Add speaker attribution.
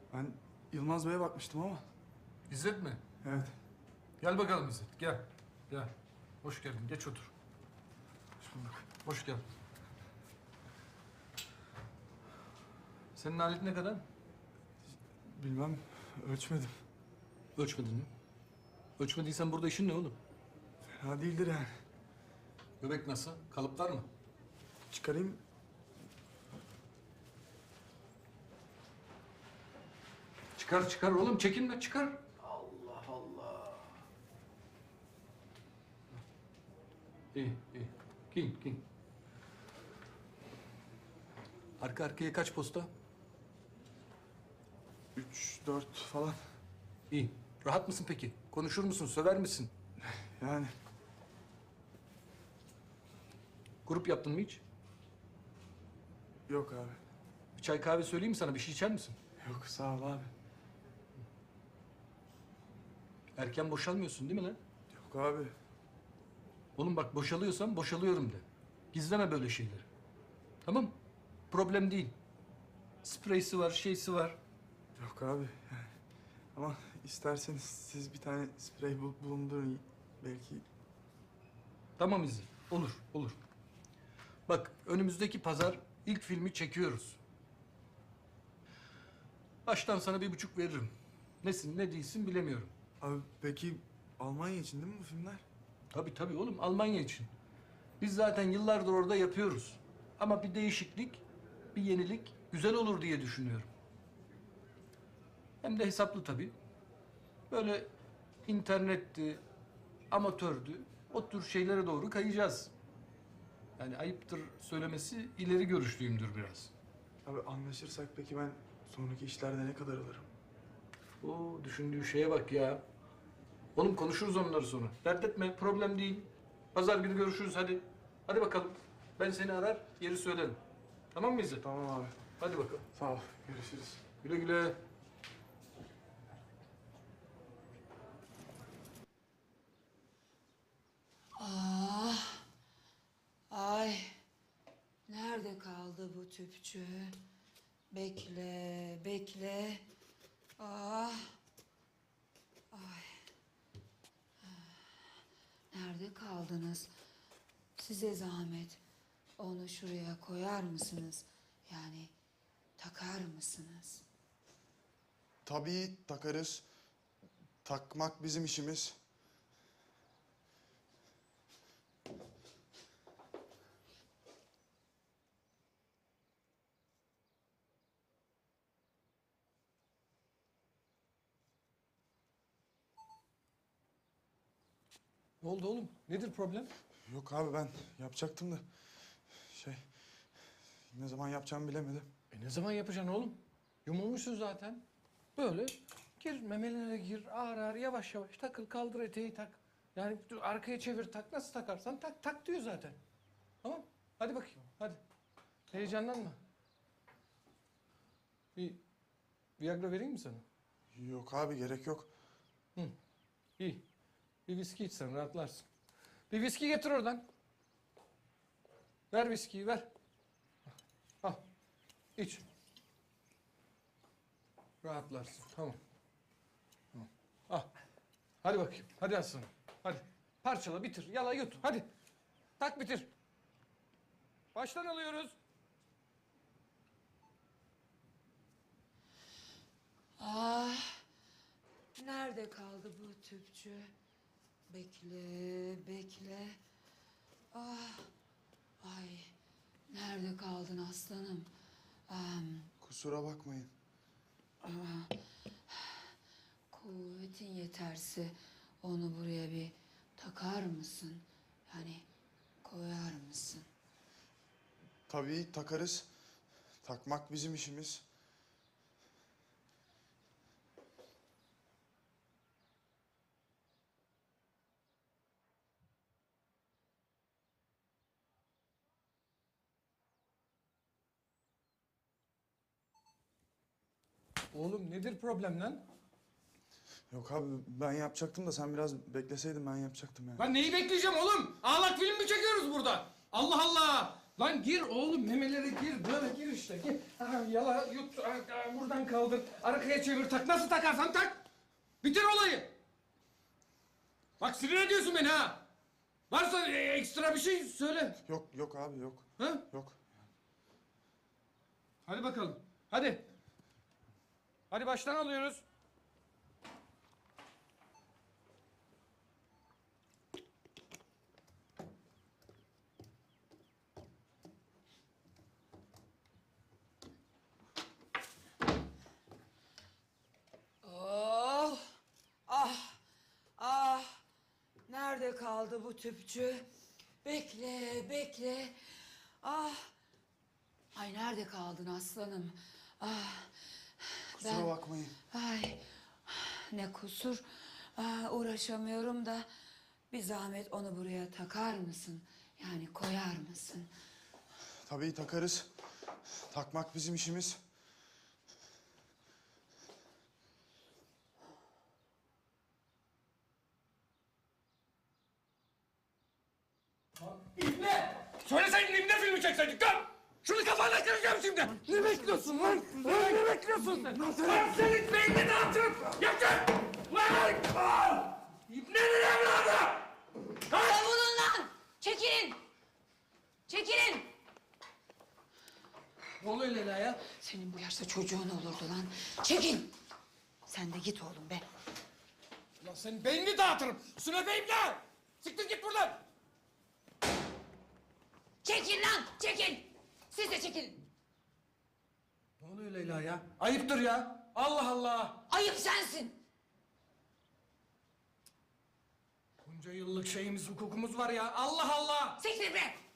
Speaker 1: Ben Yılmaz Bey'e bakmıştım ama.
Speaker 2: İzzet mi?
Speaker 1: Evet.
Speaker 2: Gel bakalım İzzet, gel. Gel. Hoş geldin, geç otur.
Speaker 1: Hoş bulduk.
Speaker 2: Hoş geldin. Senin alet ne kadar?
Speaker 1: Bilmem, ölçmedim.
Speaker 2: Ölçmedin mi? Ölçmediysen burada işin ne oğlum?
Speaker 1: Fena değildir yani.
Speaker 2: Göbek nasıl? Kalıplar mı?
Speaker 1: Çıkarayım.
Speaker 2: Çıkar çıkar oğlum, çekinme çıkar. Allah Allah. İyi, iyi. Giyin. Arka arkaya kaç posta?
Speaker 1: 3, 4 falan.
Speaker 2: İyi. Rahat mısın peki? Konuşur musun, söver misin?
Speaker 1: Yani
Speaker 2: Grup yaptın mı hiç?
Speaker 1: yok abi.
Speaker 2: Bir çay kahve söyleyeyim mi sana? Bir şey içer misin?
Speaker 1: Yok sağ ol abi.
Speaker 2: Erken boşalmıyorsun değil mi lan?
Speaker 1: Yok abi.
Speaker 2: Oğlum bak boşalıyorsan boşalıyorum de. Gizleme böyle şeyleri. Tamam? Problem değil. Spreysi var, şeysi var.
Speaker 1: Yok abi. Yani. Ama isterseniz siz bir tane sprey bulundurun. Belki
Speaker 2: Tamam İzzet. Olur. Bak önümüzdeki pazar ilk filmi çekiyoruz. Baştan sana 1,5 veririm. Nesin ne değilsin bilemiyorum.
Speaker 1: Abi peki Almanya için değil mi bu filmler?
Speaker 2: Tabii oğlum Almanya için. Biz zaten yıllardır orada yapıyoruz. Ama bir değişiklik, bir yenilik güzel olur diye düşünüyorum. Hem de hesaplı tabii. Böyle internetti, amatördü, o tür şeylere doğru kayacağız. Yani ayıptır söylemesi, ileri görüşlüyümdür biraz.
Speaker 1: Abi anlaşırsak peki ben sonraki işlerde ne kadar alırım?
Speaker 2: O düşündüğü şeye bak ya. Oğlum konuşuruz onları sonra. Dert etme, problem değil. Pazar günü görüşürüz hadi. Hadi bakalım. Ben seni arar, yeri söylerim. Tamam mı İzzet?
Speaker 1: Tamam abi.
Speaker 2: Hadi bakalım.
Speaker 1: Sağ ol. Görüşürüz.
Speaker 2: Güle güle.
Speaker 3: Ay, nerede kaldı bu tüpçü? Bekle. Ah, ay. Nerede kaldınız? Size zahmet. Onu şuraya koyar mısınız? Yani takar mısınız?
Speaker 1: Tabii takarız. Takmak bizim işimiz.
Speaker 2: Ne oldu oğlum? Nedir problem?
Speaker 1: Yok abi ben yapacaktım da şey ne zaman yapacağımı bilemedim.
Speaker 2: Ne zaman yapacaksın oğlum? Yumulmuşsun zaten. Böyle gir memelere gir ağır yavaş takıl kaldır eteği tak. Yani dur, arkaya çevir tak nasıl takarsan tak diyor zaten. Tamam hadi bakayım hadi. Heyecanlanma. Bir Viagra vereyim mi sana?
Speaker 1: Yok abi gerek yok.
Speaker 2: İyi. Bir viski içsen rahatlarsın. Bir viski getir oradan. Ver viskiyi ver. Al. İç. Rahatlarsın. Tamam. Al. Hadi bakayım. Hadi aslanım. Hadi. Parçala bitir. Yala yut. Hadi. Tak bitir. Baştan alıyoruz.
Speaker 3: Ah, nerede kaldı bu tüpçü? Bekle. Ah, ay, nerede kaldın aslanım?
Speaker 1: Kusura bakmayın.
Speaker 3: Kuvvetin yeterse onu buraya bir takar mısın? Yani koyar mısın?
Speaker 1: Tabii takarız. Takmak bizim işimiz.
Speaker 2: Oğlum nedir problem lan?
Speaker 1: Yok abi ben yapacaktım da sen biraz bekleseydin ben yapacaktım yani.
Speaker 2: Ben neyi bekleyeceğim oğlum? Ağlak film mi çekiyoruz burada? Allah Allah! Lan gir oğlum, memelere gir. Böyle gir işte. Gir. Aha, yala, yut, buradan kaldır. Arkaya çevir, tak. Nasıl takarsan tak. Bitir olayı. Bak sinir ediyorsun beni ha. Varsa ekstra bir şey söyle.
Speaker 1: Yok abi yok.
Speaker 2: Ha?
Speaker 1: Yok.
Speaker 2: Hadi bakalım. Hadi. Hadi baştan alıyoruz.
Speaker 3: Oh! Ah! Nerede kaldı bu tüpçü? Bekle, bekle. Ah! Ay nerede kaldın aslanım? Ah!
Speaker 1: Kusura bakmayın.
Speaker 3: Ay ne kusur. Uğraşamıyorum da bir zahmet onu buraya takar mısın? Yani koyar mısın?
Speaker 1: Tabii takarız. Takmak bizim işimiz.
Speaker 2: İbne! Söyleseydin İbne filmi çekseydik lan! Şunu kafana kıracağım şimdi! Ne bekliyorsun lan? Ne bekliyorsun sen? Lan senin beynini dağıtırım! Yakın! Lan! İbne'nin evladı!
Speaker 3: Savunun lan! Çekilin! Çekilin!
Speaker 2: Ne oluyor Leyla ya?
Speaker 3: Senin bu yaşta çocuğun olurdu lan. Çekil! Sen de git oğlum be.
Speaker 2: Lan senin beynini dağıtırım! Sünepe İbne! Siktir git buradan!
Speaker 3: Çekil lan! Çekil! Siz de çekilin.
Speaker 2: Ne oluyor Leyla ya? Ayıptır ya! Allah Allah!
Speaker 3: Ayıp sensin.
Speaker 2: Bunca yıllık şeyimiz, hukukumuz var ya! Allah Allah!
Speaker 3: Siktir be!